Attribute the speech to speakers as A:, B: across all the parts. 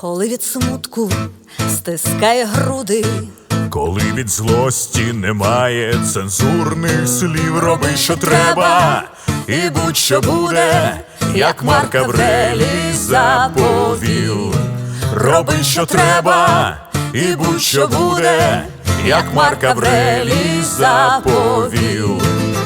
A: Коли від смутку стискає груди,
B: коли від злості немає цензурних слів, роби, що треба, і будь-що буде, як Марк Аврелій заповів. Роби, що треба, і будь-що буде, як Марк Аврелій заповів.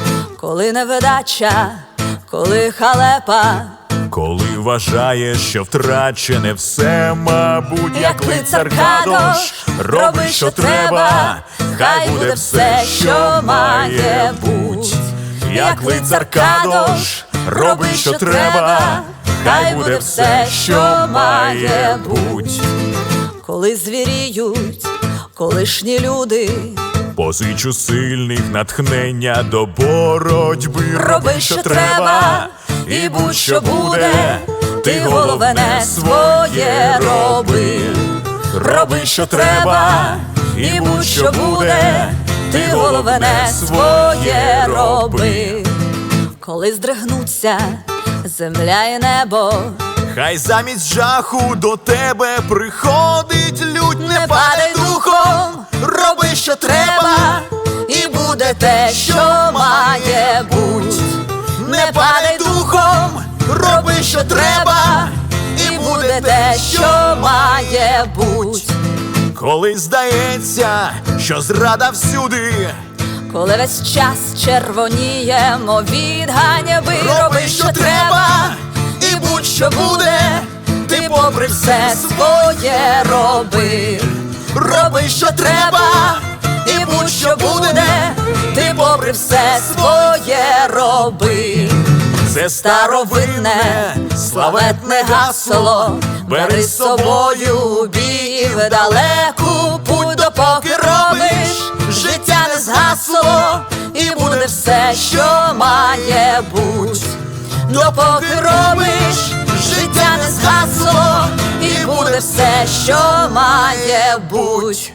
A: коли невдача, коли халепа,
B: коли вважаєш, що втрачене все, мабуть, як лицар Кадош, роби, що треба, хай буде все, що має буть. Як лицар Кадош, роби, що треба, хай буде все, що має буть.
A: коли звіріють колишні люди,
B: позич у сильних натхнення до боротьби.
A: роби, що треба, і будь-що буде, ти головне своє роби.
B: Роби, що треба, і будь-що буде, ти головне своє роби.
A: коли здригнуться земля і небо,
B: Хай замість жаху до тебе приходить лють. Не падай духом, роби, що треба,
A: і буде те, що має буть.
B: не падай духом, роби, що треба,
A: І буде те, що має буть.
B: коли здається, що зрада всюди,
A: Коли весь час червоніємо від ганьби,
B: роби, що треба, і будь-що буде, ти попри все своє роби. Роби, що треба, і будь-що буде,
A: ти попри все своє роби.
B: це старовинне, славетне гасло.
A: Бери з собою бій в далеку путь, допоки робиш, життя не згасло, і буде все, що має буть. Допоки робиш, життя не згасло, і буде все, що має буть.